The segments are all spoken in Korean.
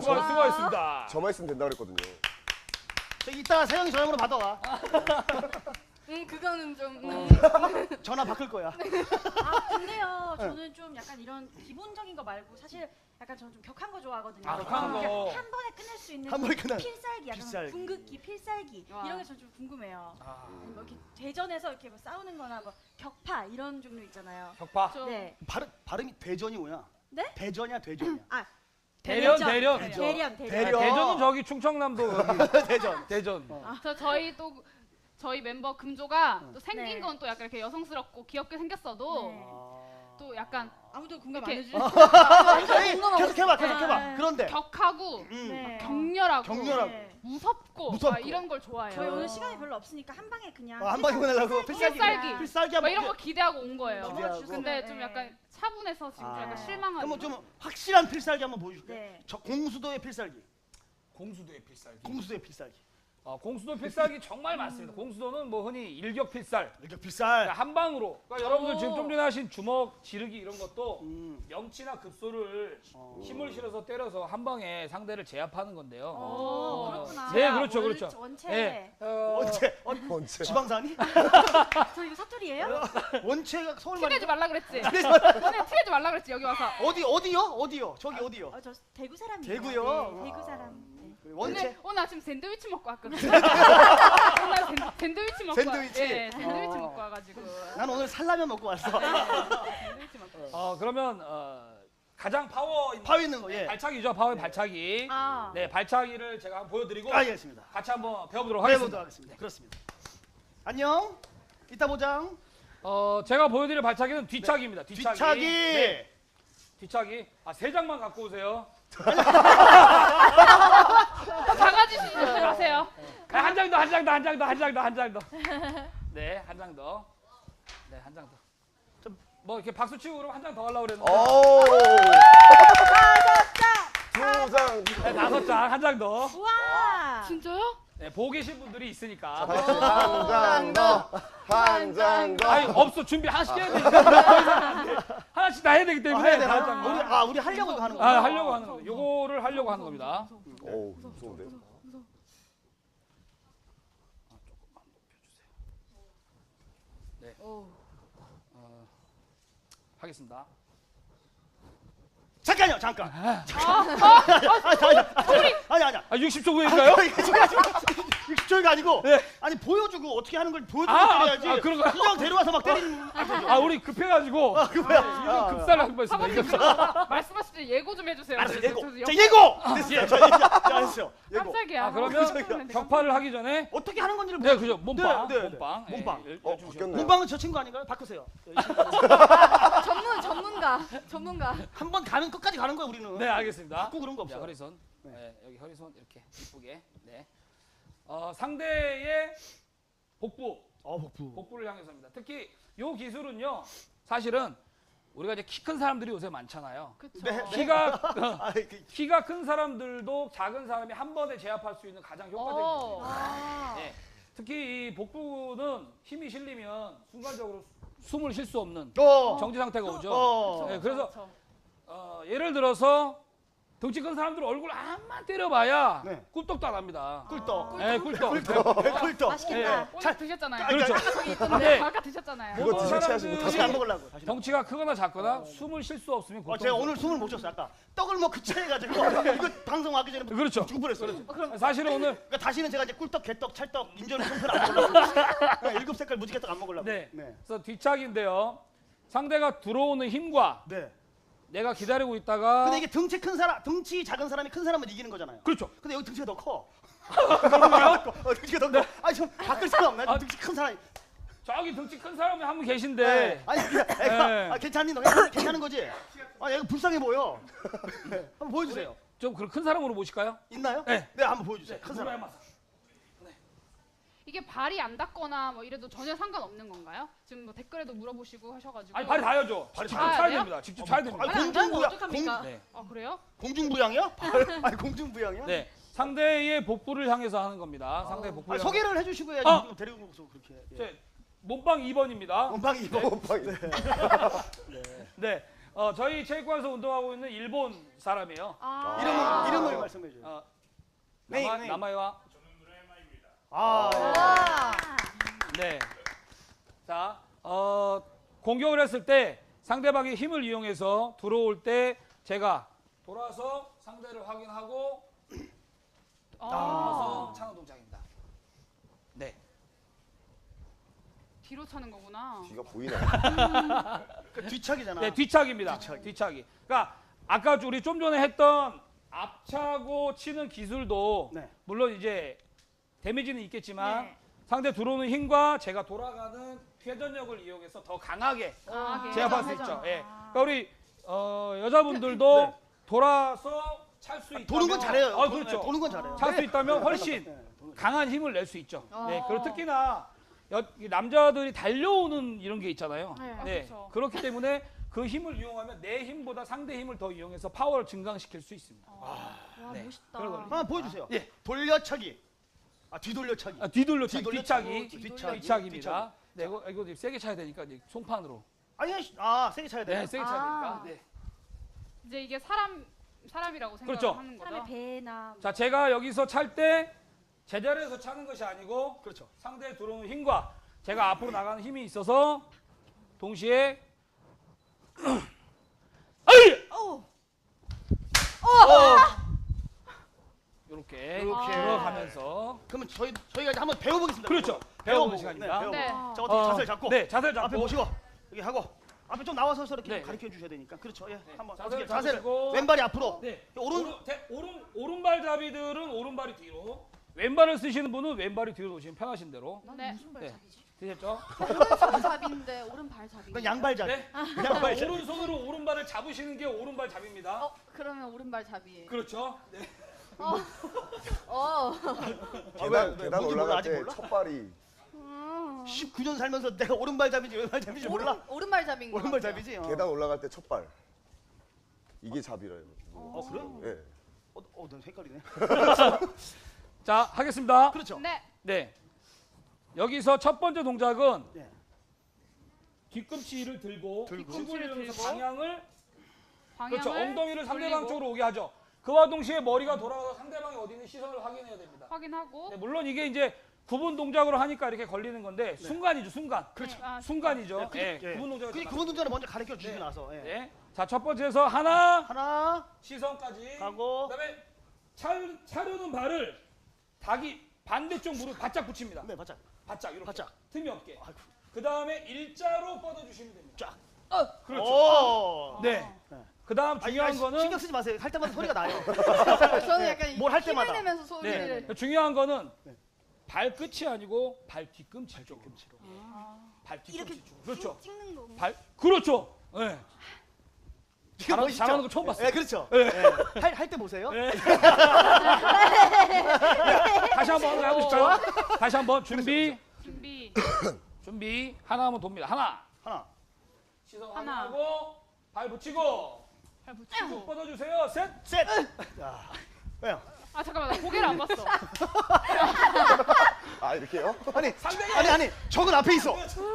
수고하셨습니다. 저만 있으면 된다 그랬거든요. 이따가 세영이 전화번호 받아와. 그거는 좀 전화 바꿀 거야. 아 근데요 저는 좀 약간 이런 기본적인 거 말고 사실 약간 저는 좀 격한 거 좋아하거든요. 격한 거. 그러니까 한 번에 끝낼 수 있는 한 번에 끝나는 필살기, 약간 필살기. 궁극기, 필살기 와. 이런 게 저는 좀 궁금해요. 뭐 이렇게 대전에서 이렇게 뭐 싸우는-거나 뭐 격파 이런 종류 있잖아요. 격파. 네. 발음이 대전이 뭐야? 네? 대전이야 대전이야. 아 대련. 대련. 대전은 저기 충청남도 여기 대전. 저희 멤버 금조가 또 생긴 네. 건 또 약간 이렇게 여성스럽고 귀엽게 생겼어도 네. 또 약간 아무도 공감 안 이렇게- 해주죠. 계속 해봐. 네. 그런데 격하고 네. 격렬하고 네. 무섭고 무섭고. 막 이런 걸 좋아해요. 저희 오늘 시간이 별로 없으니까 한 방에 그냥 한 방에 보내려고 필살기. 필살기 막 한번 이런 거 기대하고 온 거예요. 기대하고. 근데 네. 좀 약간 차분해서 지금 아. 약간 실망하고. 그럼 좀 확실한 필살기 한번 보여줄게. 네. 저 공수도의 필살기. 공수도의 필살기. 공수도의 필살기. 공수도 필살기 정말 많습니다. 공수도는 뭐 흔히 일격 필살. 이렇게 필살. 한 방으로. 그러니까 여러분들 지금 좀 전에 하신 주먹, 지르기 이런 것도 음. 명치나 급소를 힘을 실어서 때려서 한 방에 상대를 제압하는 건데요. 오, 그렇구나. 네, 그렇죠, 그렇죠. 원체. 네, 원체. 지방산이? 저 이거 사투리예요? 원체가 서울 말이 티내지 말라 그랬지. 너네 티내지 말라 그랬지 여기 와서. 어디요? 저기 어디요? 저 대구 사람이에요. 대구요? 네, 대구 사람. 네. 원체. 오늘 아침 샌드위치 먹고 왔거든. 오늘 샌드위치 먹고 샌드위치? 예, 샌드위치 먹고 와가지고. 난 오늘 살라면 먹고 왔어. 샌드위치 먹고. 그러면 가장 파워 있는 파워 있는 거, 예. 발차기죠. 파워의 발차기. 아. 네, 발차기를 제가 한번 보여드리고 알겠습니다. 같이 한번 배워보도록 해보도록 하겠습니다. 하겠습니다. 그렇습니다. 안녕. 이따 보자. 제가 보여드릴 발차기는 뒤차기입니다. 뒤차기. 네, 뒤차기. 세 장만 갖고 오세요. 작아지시지 마세요. 한 장 더. 네, 한 장 더. 네, 한 장 더. 뭐 이렇게 박수 치고 그러면 한 장 더 하려고 그랬는데. 오. 2장. 네, 5장, 한 장 더. 우와. 진짜요? 네, 보고 계신 분들이 있으니까. 한 장 더. 한 장 더. 아니, 없어. 준비 하나씩 해야 되니까. 하나씩 다 해야 되기 때문에. 해야 되나? 한 장 더. 우리 하려고 이거 하는 거야. 하려고 하는 거. 요거를 하려고 하는 겁니다. 오, 무서운데. 하겠습니다. 잠깐요, 잠깐. 아니야. 60초 후인가요? 60초가 아니고, 네. 아니 보여주고 어떻게 하는 걸 보여주고 아, 때려야지. 그런가요? 그냥 데려와서 막 때리는. 우리 급해가지고. 그거야. 급사를 한 번 했습니다. 말씀하실 때 예고 좀 해주세요. 알았어, 예고. 저 자, 옆에 예고. 됐어요. 자, 됐어요. 예고. 깜짝이야. 그러면 격파를 하기 전에. 어떻게 하는 건지를 네, 그죠. 몸빵. 네. 몸빵. 몸빵. 바뀌었네요. 문방은 저 친구 아닌가요? 바꾸세요. 전문가. 한 번 가면 끝까지 가는 거야 우리는. 네, 알겠습니다. 바꾸 그런 거 없어. 자, 허리손. 네, 여기 허리손 이렇게 이쁘게. 네. 상대의 복부. 복부를 향해서입니다. 특히 요 기술은요. 사실은 우리가 이제 키 큰 사람들이 요새 많잖아요. 그쵸. 네. 키가 큰 사람들도 작은 사람이 한 번에 제압할 수 있는 가장 효과적인 오. 기술입니다. 네. 특히 이 복부는 힘이 실리면 순간적으로 숨을 쉴 수 없는 정지 상태가 오죠. 네, 그래서 예를 들어서 덩치 큰 사람들 얼굴 암만 때려봐야 네. 꿀떡도 안 합니다. 꿀떡. 네, 꿀떡. 꿀떡. 맛있겠다. 오늘 드셨잖아요. 그렇죠. 네. 아까 드셨잖아요. 그거 모든 드실 체하시고 사람들이 다시 안 먹으려고. 다시. 덩치가 크거나 작거나 숨을 쉴 수 없으면 고통. 제가 오늘 숨을 못 쉬었어 아까. 떡을 먹고 체해가지고 이거 방송 하기 전에 그렇죠. 죽을뻔했어. 사실은 오늘 그러니까 다시는 제가 이제 꿀떡, 개떡, 찰떡, 인절미, 송편 안 먹으려고. 일곱 색깔 무지개떡 안 먹으려고. 네. 그래서 뒤차기인데요. 상대가 들어오는 힘과 네. 내가 기다리고 있다가 근데 이게 덩치 큰 사람, 덩치 작은 사람이 큰 사람을 이기는 거잖아요. 그렇죠. 근데 여기 덩치가 더 커. 덩치가 더 커. 아니 좀 바꿀 생각 없나요? 덩치 큰 사람이. 저기 덩치 큰 사람이 한 분 계신데 아니 애가 괜찮니? 너 괜찮은 거지? 아 얘가 불쌍해 보여. 한번 보여주세요. 좀 그런 큰 사람으로 모실까요? 있나요? 네. 네, 한번 보여주세요. 큰 사람. 이게 발이 안 닿거나 뭐 이래도 전혀 상관없는 건가요? 지금 뭐 댓글에도 물어보시고 하셔가지고. 아니 발이 닿아야죠. 직접 닿아야 차야 돼요? 됩니다. 직접 차야 됩니다. 아니, 발이 안 닿으면 공중부양. 어떡합니까? 네. 아 그래요? 공중부양이야? 아니 공중부양이야? 네. 상대의 복부를 향해서 하는 겁니다. 상대의 복부를. 아니, 소개를 해주시고 해야지. 아! 데리고 오서 그렇게. 예. 제 몸빵 2번입니다. 원방이. 몸빵이. 네. 저희 체육관에서 운동하고 있는 일본 사람이에요. 이름을 말씀해 줘요. 네임. 남아요와. 네. 자, 공격을 했을 때 상대방의 힘을 이용해서 들어올 때 제가 돌아서 상대를 확인하고 돌아서 차는 동작입니다. 네. 뒤로 차는 거구나. 뒤가 보이네. 그 뒤차기잖아. 네, 뒤차기입니다. 뒤차기. 그러니까 아까 우리 좀 전에 했던 앞차고 치는 기술도 네. 물론 이제 데미지는 있겠지만 네. 상대 들어오는 힘과 제가 돌아가는 회전력을 이용해서 더 강하게 강하게. 제압할 수 회전. 있죠. 예. 그러니까 우리 여자분들도 네. 돌아서 찰 수 있다면 도는 건 잘해요. 그렇죠. 도는 건 잘해요. 찰 수 있다면 훨씬 도는 거. 강한 힘을 낼 수 있죠. 네. 어. 그리고 특히나 이 남자들이 달려오는 이런 게 있잖아요. 네. 네. 그렇죠. 그렇기 때문에 그 힘을 이용하면 내 힘보다 상대 힘을 더 이용해서 파워를 증강시킬 수 있습니다. 와 네. 멋있다. 그런 거. 하나 보여주세요. 예. 돌려차기. 뒤돌려차기. 뒤돌려차기, 뒤돌려차기, 뒤차기, 뒤차기. 뒤차기입니다. 네, 이거 좀 세게 차야 되니까 이제 송판으로. 아니, 세게 차야 돼요. 네, 세게 차야 되니까. 네. 이제 이게 사람이라고 생각을 그렇죠. 하는 거죠. 사람의 배나 자, 제가 여기서 찰 때 제자리에서 차는 것이 아니고 그렇죠. 상대에 들어오는 힘과 제가 앞으로 나가는 힘이 있어서 동시에 아이! 이렇게 이렇게. 들어가면서 그러면 저희가 이제 한번 배워보겠습니다. 그렇죠. 배워보는 시간입니다. 배워보고. 네. 자, 어떻게 자세를 잡고. 네, 자세를 잡고 앞에 모시고 여기 하고 앞에 좀 나와서 이렇게 네. 가르쳐 주셔야 되니까. 그렇죠. 예. 한번 자세를 어떻게 자세를 잡으시고. 왼발이 앞으로. 네. 오른 오른발잡이들은 오른발이 뒤로, 왼발을 쓰시는 분은 왼발이 뒤로 놓으시면 편하신 대로. 네. 무슨 발잡이지? 되셨죠? 오른발잡인데 오른발잡이. 그건 양발잡이. 네. 오른손으로 오른발을 잡으시는 게 오른발잡이입니다. 그러면 오른발잡이에요. 그렇죠? 네. 계단 뭔지 몰라, 올라갈 아직 때 몰라? 첫 발이 19년 살면서 내가 오른발잡이인지 왼발잡이인지 몰라. 오른발잡인 거. 오른발잡이지. 계단 올라갈 때 첫 발. 이게 잡이래요. 그래? 예. 넌 색깔이네. 자, 하겠습니다. 그렇죠. 네. 네. 여기서 첫 번째 동작은 네. 뒤꿈치를 들고 뒤꿈치를 들고 방향을 방향을 그렇죠. 엉덩이를 상대방 돌리고 쪽으로 오게 하죠. 그와 동시에 머리가 돌아가서 상대방이 어디 있는 시선을 확인해야 됩니다. 확인하고 네, 물론 이게 이제 구분 동작으로 하니까 이렇게 걸리는 건데 순간이죠, 순간. 그렇죠. 순간이죠. 네, 예, 구분 동작을 그분 동작을 먼저 가르쳐 주시고 나서. 예. 네. 자, 첫 번째에서 하나, 하나 시선까지. 가고. 그다음에 차려는 발을 반대쪽 무릎 바짝 붙입니다. 네, 바짝. 바짝 이렇게. 바짝. 틈이 없게. 아이고. 그다음에 일자로 뻗어 주시면 됩니다. 쫙. 그렇죠. 오. 네. 네. 그다음 중요한 거는 신경 쓰지 마세요. 할 때마다 소리가 나요. 저는 약간 뭘할 때마다. 힘을 내면서 소리를. 네. 중요한 거는 네. 발끝이 아니고 발 뒤꿈치 쪽으로. 발 뒤꿈치 이렇게 쪽으로. 그렇죠. 찍는 거. 그렇죠. 네. 이게 멋있죠? 잘하는 거 처음 봤어요. 네, 그렇죠. 네. 할 때 보세요. 네. 다시 한번 해보시죠. 다시 한번 준비. 준비. 하나 하면 돕니다. 하나. 시선 하나. 확인하고 발 붙이고 발 붙이고. 쭉 뻗어주세요. 셋. 셋. 자. 왜요? 아 잠깐만 나 고개를 안 봤어. 아 이렇게요? 아니. 적은 앞에 있어.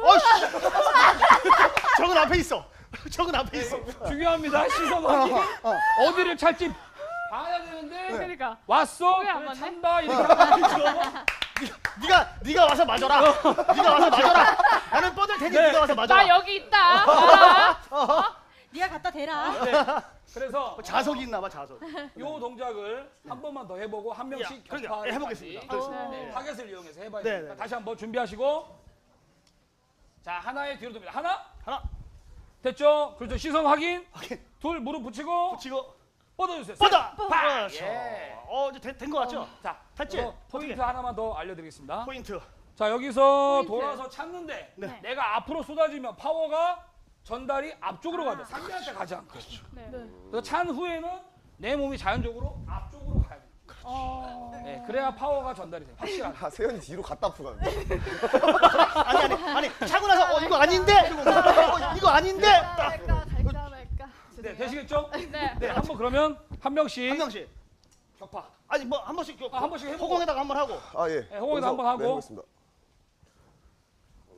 적은 앞에 있어. 적은 앞에 있어. 중요합니다. 시선 확인. 어디를 찰지 봐야 되는데 그러니까 왔어. 고개 안 그래, 맞네? 찬다. 이렇게 하면 네가 와서 맞아라. 나는 뻗을 테니 네. 네가 와서 맞아라. 나 여기 있다. 봐라. 네가 갖다 대라. 네. 그래서 자석이 있나 봐, 자석. 요 동작을 한 번만 더 해보고 한 명씩 그러니까, 격파를 예, 해보겠습니다. 같이. 그렇습니다. 네, 타겟을 이용해서 해봐야 네, 되니까 네. 다시 한번 준비하시고 자 하나의 뒤로 돕니다. 하나 됐죠? 그렇죠. 시선 확인. 둘 무릎 붙이고 붙이고 뻗어주세요. 뻗어. 팍! 그렇죠. 예. 이제 된 거 같죠? 자 됐지? 그리고 포인트 하나만 더 알려드리겠습니다. 포인트. 자 여기서 포인트. 돌아서 찾는데 네. 내가 앞으로 쏟아지면 파워가 전달이 앞쪽으로 가죠. 상대한테 가지 않고. 네. 그래서 찬 후에는 내 몸이 자연적으로 앞쪽으로 가야 돼요. 네, 그래야 파워가 전달이 돼요. 확실하게. 아 세연이 뒤로 갔다 아프가는데 아니. 차고 나서 이거 아닌데. 이거 아닌데. 갈까 말까. 네, 되시겠죠? 네. 네, 한번 그러면 한 명씩 한 명씩. 격파. 아니 뭐 한 번씩 한 번씩 해보고. 허공에다가 한번 하고. 아 예. 네, 호흡에도 한번 하고. 네, 해보겠습니다.